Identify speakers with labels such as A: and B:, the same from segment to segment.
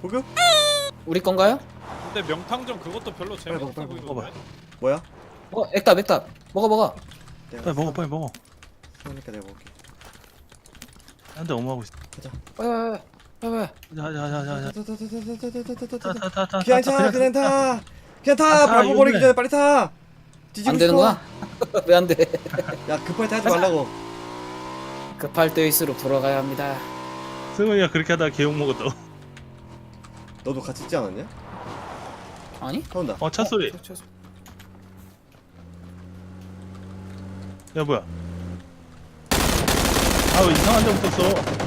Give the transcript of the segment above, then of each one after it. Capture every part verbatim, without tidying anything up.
A: 구급?
B: 우리 건가요?
C: 근데 명탕점 그것도 별로 재미없어
A: 빨리 먹어,
C: 보이던데.
A: 뭐야?
B: 어, 액답, 액답. 먹어, 먹어.
A: 내가
D: 빨리 먹어 빨리 먹어.
A: 그러니까 내가 먹을게.
D: 한대 엄마하고 있어.
B: 빨리, 빨리, 빨리, 빨리.
D: 가자 가자 가자 가자. 타타타타.
A: 그냥 타 그냥 타 그냥 타
D: 아, 타,
A: 밟아 버리기
D: 이거네.
A: 전에 빨리 타. 뒤지고
B: 안
A: 싶어.
B: 되는구나? 왜 안 돼?
A: 야 급할 때 하지 말라고.
B: 급할 때일수록 돌아가야 합니다.
D: 승훈이가 그렇게 하다가 개욕 먹었다.
A: 너도 같이 있지 않았냐?
B: 아니?
A: 타온다.
D: 어 차 소리.
B: 저, 저, 저.
D: 야 뭐야? 아 왜 이상한 데 붙었어?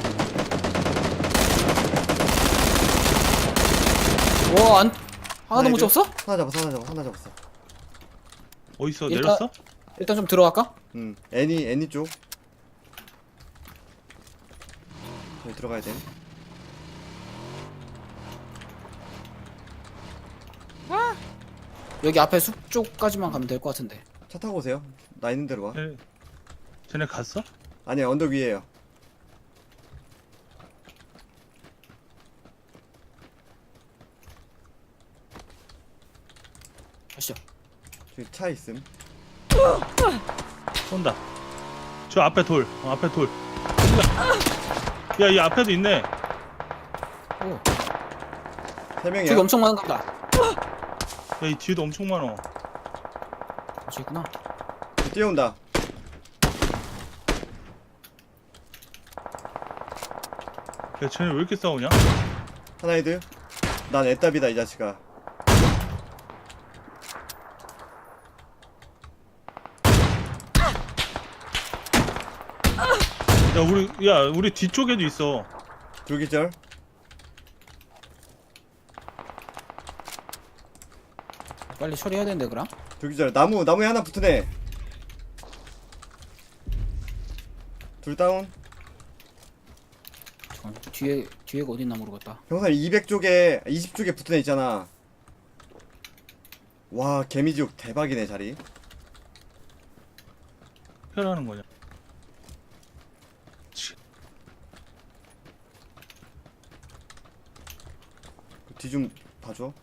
B: 와, 안, 하나도 못
A: 이거?
B: 잡았어?
A: 하나 잡았어 하나 잡았어 하나 잡았어.
D: 어디 있어?
B: 일단-
D: 내렸어?
B: 일단 좀 들어갈까?
A: 응 애니 애니 쪽. 저기 들어가야 돼.
B: 여기 앞에 숲 쪽까지만 가면 될 것 같은데.
A: 차 타고 오세요. 나 있는 대로 와.
D: 쟤네, 쟤네 갔어?
A: 아니야 언덕 위에요.
B: 가시죠.
A: 저기 차 있음.
D: 쏜다. 저 앞에 돌. 어, 앞에 돌. 야 이 앞에도 있네.
B: 오,
A: 세 명이야.
B: 저기 엄청 많은가 보다.
D: 야 이 뒤에도 엄청 많어.
B: 저기 있구나.
A: 뛰어온다.
D: 야 쟤네 왜 이렇게 싸우냐?
A: 하나 헤드. 난 애답이다 이 자식아.
D: 야 우리 야 우리 뒤쪽에도 있어.
A: 둘기절.
B: 빨리 처리해야 되는데, 그럼?
A: 둘기절. 나무 나무에 하나 붙으네. 둘 다운.
B: 잠깐, 뒤에, 뒤에가 어딨나 모르겠다.
A: 형사 이백 쪽에 이십 쪽에 붙은 애 있잖아. 와 개미지옥 대박이네 자리.
D: 혈하는 거냐? 치.
A: 뒤 좀 봐줘.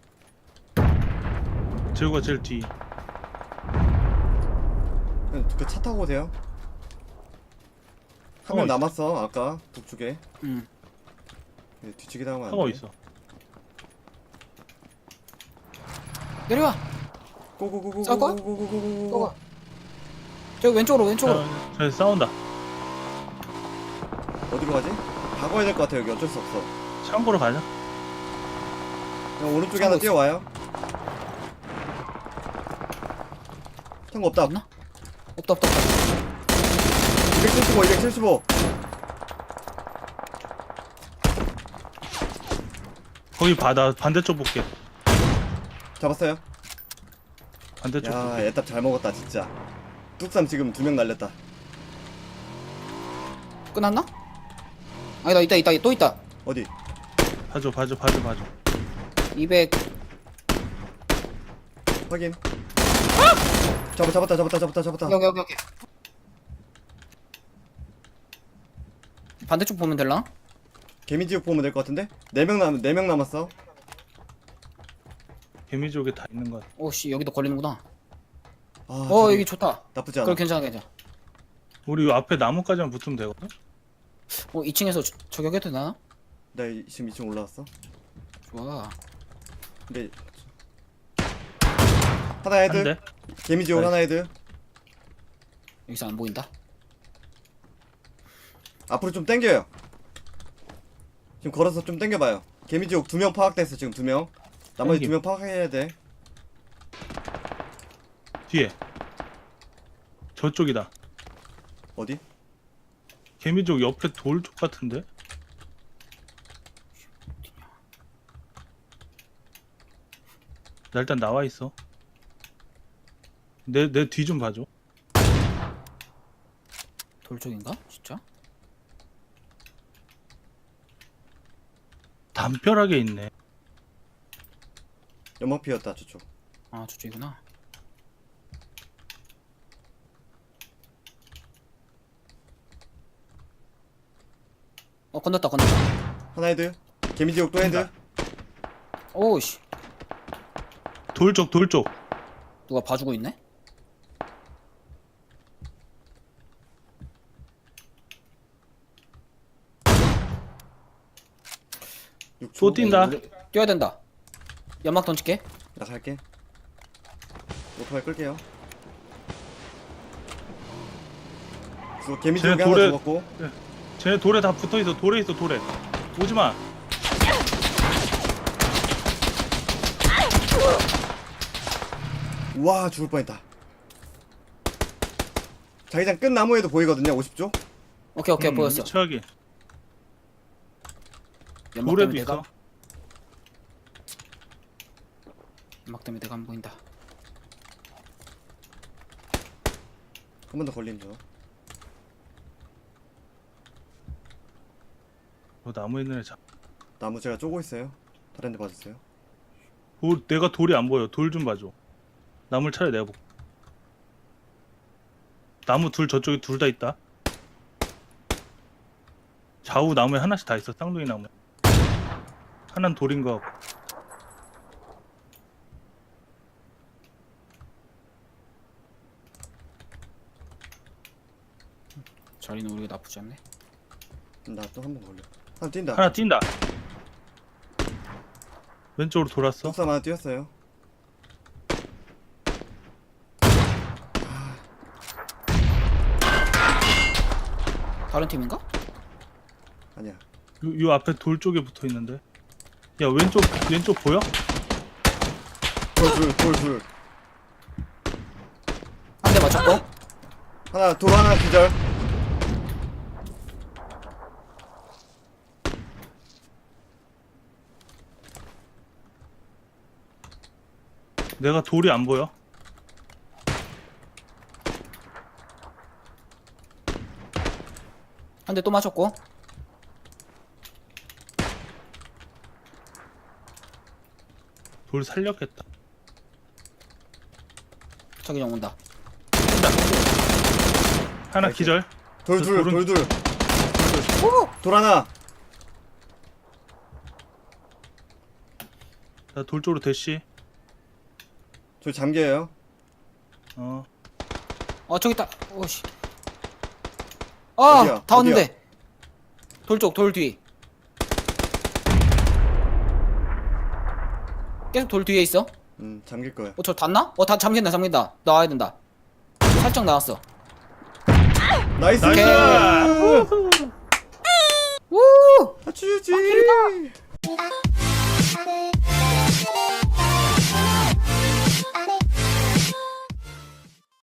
D: 재우가 제일 뒤.
A: 그 차 타고 오세요. 한
D: 하고
A: 명
D: 있어.
A: 남았어 아까 북쪽에.
B: 응.
A: 네, 뒤치기 당하면 안
D: 하고
A: 돼.
D: 있어.
B: 내려와!
A: 고고고고
B: 쌀 거야?
A: 고고고고고고.
B: 떠가. 저기 왼쪽으로, 왼쪽으로.
D: 자, 쟤네 싸운다.
A: 어디로 가지? 다 가야 될 것 같아 여기 어쩔 수 없어.
D: 창고로 가자.
A: 그냥 오른쪽에
B: 창고
A: 하나
B: 있어.
A: 뛰어와요. 창고 없다.
B: 없나? 없다, 없다, 없다.
A: 이백칠십오 이백칠십오.
D: 거기 바다 반대쪽 볼게.
A: 잡았어요.
D: 반대쪽
A: 야
D: 볼게.
A: 애답 잘 먹었다 진짜. 뚝삼 지금 두 명 날렸다.
B: 끝났나? 아니다, 있다, 있다, 또 있다.
A: 어디?
D: 봐줘 봐줘 봐줘 봐줘.
B: 이백.
A: 확인. 잡아 잡았다 잡았다 잡았다 잡았다.
B: 여기, 여기, 여기. 반대쪽 보면 될라?
A: 개미지옥 보면 될 것 같은데? 네 명 남, 네 명 남았어.
D: 개미족에 다 있는 것 같아.
B: 오씨, 여기도 걸리는구나.
A: 아,
B: 어,
A: 저기
B: 여기 좋다.
A: 나쁘지 않아.
B: 그래, 괜찮아, 괜찮아.
D: 우리 요 앞에 나무까지만 붙으면 되거든?
B: 어, 이 층에서 저- 저격해도 되나?
A: 나 이- 지금 이 층 올라왔어.
B: 좋아.
A: 근데 하나 헤드.
D: 한 대?
A: 개미지옥
D: 나이스.
A: 하나 헤드.
B: 여기서 안 보인다.
A: 앞으로 좀 당겨요. 지금 걸어서 좀 당겨봐요. 개미지옥 두 명 파악됐어 지금 두 명. 나머지
D: 당김.
A: 두 명 파악해야 돼.
D: 뒤에. 저쪽이다.
A: 어디?
D: 개미족 옆에 돌 쪽 같은데? 나 일단 나와 있어. 내 내 뒤 좀 봐줘.
B: 돌 쪽인가? 진짜?
D: 담벼락에 있네.
A: 연막 피었다 저쪽.
B: 아, 저쪽이구나. 어, 건넜다, 건넜다.
A: 하나 헤드. 개미지옥 또 헤드.
D: 간다.
B: 오우씨.
D: 돌 쪽, 돌 쪽.
B: 누가 봐주고 있네?
A: 육 초.
D: 또 뛴다.
B: 우리 뛰어야 된다. 연막 던질게.
A: 나 갈게. 오토바이 끌게요. 죽 개미지
D: 쟤네
A: 여기 하나
D: 돌에-
A: 죽었고.
D: 쟤네 돌에 다 붙어 있어. 돌에 있어, 돌에. 오지 마.
A: 와 죽을 뻔했다. 자기장 끝 나무에도 보이거든요. 오십 초.
B: 오케이 오케이
D: 음,
B: 보였어.
D: 최악이.
B: 연막
D: 돌에도
B: 때문에
D: 있어.
B: 내가 연막 때문에 내가 안 보인다.
A: 한 번 더 걸림 줘.
D: 너 나무에 있는 애 잡.
A: 나무 제가 쪼고 있어요. 다른 데 봐주세요.
D: 돌, 내가 돌이 안 보여. 돌 좀 봐줘. 나무를 차라리 내가 볼게. 나무 둘 저쪽에 둘 다 있다. 좌우 나무에 하나씩 다 있어. 쌍둥이 나무에. 하나는 돌인 거 같고.
B: 자리는 우리가 나쁘지 않네.
A: 나 또 한 번 걸려. 하나 뛴다.
D: 하나 뛴다. 왼쪽으로 돌았어.
A: 속삼 하나 뛰었어요.
B: 다른 팀인가?
A: 아니야.
D: 요, 요 앞에 돌 쪽에 붙어 있는데. 야 왼쪽 왼쪽 보여?
A: 돌 둘, 돌 둘.
B: 한 대 맞췄고.
A: 하나 돌 하나 기절.
D: 내가 돌이 안 보여.
B: 한 대 또 맞췄고.
D: 돌 살렸겠다.
B: 저기 형 온다.
D: 하나
A: 나이스.
D: 기절.
A: 돌
D: 저
A: 둘,
D: 돌은-
A: 돌 둘. 돌 하나.
D: 나 돌 쪽으로 대시.
A: 저 잠겨요.
D: 어.
B: 어 저기 있다. 오씨. 아,
A: 어디야?
B: 다 왔는데. 돌 쪽, 돌 뒤. 계속 돌 뒤에 있어.
A: 음 잠길 거야.
B: 어, 저 닿나? 어, 다 잠긴다, 잠긴다. 나와야 된다. 살짝 나왔어.
A: 나이스.
D: 나이스.
B: 오케이.
D: 우후.